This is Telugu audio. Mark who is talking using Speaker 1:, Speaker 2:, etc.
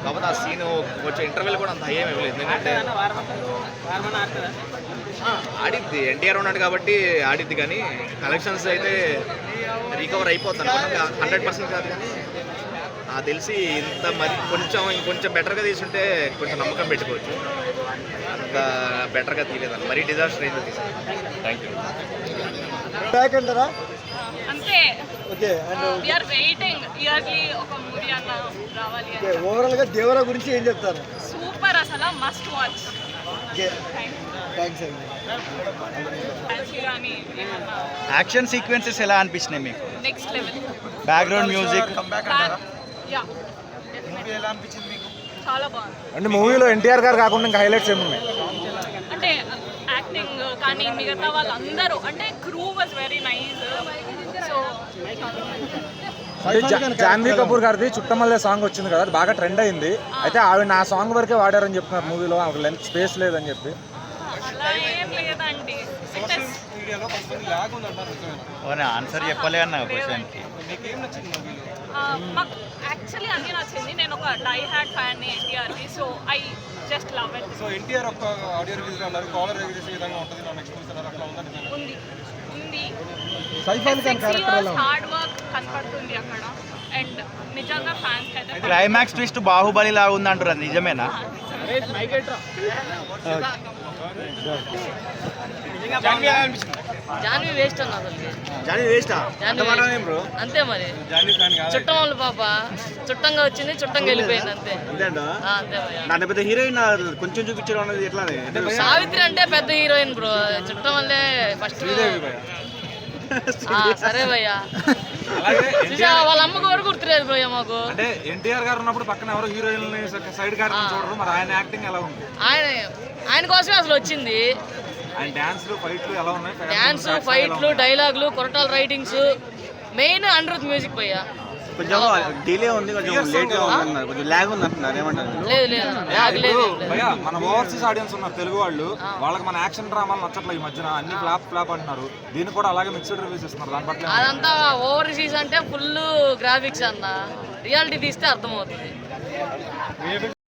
Speaker 1: కాకపోతే ఆ సీన్ కొంచెం ఇంటర్వెల్ కూడా అంత హై ఏమి ఇవ్వలేదు. ఎందుకంటే ఆడిద్ది, ఎన్టీఆర్ ఉన్నాడు కాబట్టి ఆడిద్ది, కానీ కలెక్షన్స్ అయితే రికవర్ అయిపోతాను 100% కాదు. కానీ తెలిసి ఇంత మరి ఇంకొంచెం బెటర్గా తీసుంటే కొంచెం నమ్మకం పెట్టుకోవచ్చు. అంత బెటర్గా తీయలేదండి, మరీ డిజాస్టర్ అయితే తీసాను. Thank you.
Speaker 2: బ్యాక్ అంటారా?
Speaker 3: అంతే.
Speaker 2: Okay. And
Speaker 3: we are waiting yearly ఒక మూవీ అన్న రావాలి.
Speaker 2: ఓకే, ఓవరాల్ గా దేవరా గురించి ఏం చెప్తారు?
Speaker 3: సూపర్, అసలు మస్ట్ వాచ్.
Speaker 2: ఓకే, థ్యాంక్స్ అండి.
Speaker 4: యాక్షన్ సీక్వెన్సెస్ ఎలా అనిపించినాయి మీకు?
Speaker 3: Next level.
Speaker 4: Background music
Speaker 3: yeah, ఎలా అనిపించింది మీకు? చాలా బాగుంది.
Speaker 2: అంటే మూవీలో ఎన్టీఆర్ గారు కాకుండా ఇంకా హైలైట్స్ ఏమున్నాయి?
Speaker 3: అంటే యాక్టింగ్ కానీ మిగతా వాళ్ళందరూ, అంటే crew was very nice. So
Speaker 2: Janhvi Kapoor గారిది చుట్టమల్లే సాంగ్ వచ్చింది కదా, అది బాగా ట్రెండ్ అయింది. అయితే ఆవిడ ఆ సాంగ్ వరకే వాడారని చెప్తున్నారు మూవీలో, ఆవిడ లెంత్ స్పేస్ లేదని చెప్పి.
Speaker 3: అలా ఏం లేదండి.
Speaker 4: ఆన్సర్ చెప్పలే అన్న క్వశ్చన్కి.
Speaker 3: మాకు యాక్చువల్లీ అన్నీ నచ్చింది. నేను ఒక డై హ్యాడ్ ఫ్యాన్ ఎన్టీఆర్ది, so I just love it.
Speaker 5: So NTR ఒక ఆడియో రిలీజ్ అన్నారు, కాలర్ రిలీజ్ విధంగా ఉంటుంది నా నెక్స్ట్ మూవీ అన్నారు, అట్లా ఉందని
Speaker 3: ఉంది.
Speaker 2: 6
Speaker 3: years హార్డ్ వర్క్ కనపడుతుంది అక్కడ. అండ్ నిజంగా ఫ్యాన్స్ అయితే
Speaker 4: క్లైమాక్స్ ట్విస్ట్ బాహుబలి లాగా ఉంది అంటారు, అది నిజమేనా?
Speaker 6: జాన్వి వేస్ట్ అన్న అసలు.
Speaker 4: జాన్వి వేస్టా?
Speaker 6: అంతే మరి, చుట్టం వాళ్ళు పాప చుట్టంగా వచ్చింది, చుట్టంగా వెళ్ళిపోయింది అంతే. అంతే
Speaker 4: నా పెద్ద హీరోయిన్ కొంచెం చూపించడం అనేది ఎట్లా?
Speaker 6: సావిత్రి అంటే పెద్ద హీరోయిన్ బ్రో, చుట్టం వల్లే ఫస్ట్. సరే భయ్యా, వాళ్ళ అమ్మకు వరకు గుర్తులేదు భయ్య మాకు.
Speaker 5: అంటే ఎన్టీఆర్ గారు ఉన్నప్పుడు పక్కన ఎవరో హీరోయిన్ సైడ్ క్యారెక్టర్ చూడరు, మరి ఆయన యాక్టింగ్ ఎలా ఉంది?
Speaker 6: ఆయన కోసమే అసలు వచ్చింది.
Speaker 5: ఆయన డాన్స్లు ఫైట్లు ఎలా ఉన్నాయి?
Speaker 6: డాన్స్ ఫైట్లు డైలాగులు Koratala writings, main Anirudh music భయ్యా.
Speaker 4: కొంచెం డిలే ఉంది, కొంచెం లేట్ గా ఉంది, కొంచెం లాగ్ ఉంది అంటున్నారు, ఏమంటారు?
Speaker 6: లేదు
Speaker 5: భయ్యా, మన ఓవర్సీస్ ఆడియన్స్ ఉన్నారు తెలుగు వాళ్ళు, వాళ్ళకి మన యాక్షన్ డ్రామాలు నచ్చట్లేదు ఈ మధ్యన, అన్ని ఫ్లాప్ అంటున్నారు. దీన్ని కూడా అలాగే మిక్స్డ్ రివ్యూస్ ఇస్తున్నారు. దాని పట్ల
Speaker 6: అదంతా ఓవర్సీస్ అంటే ఫుల్ గ్రాఫిక్స్ అన్న, రియాలిటీ తీస్తే అర్థమవుతుంది.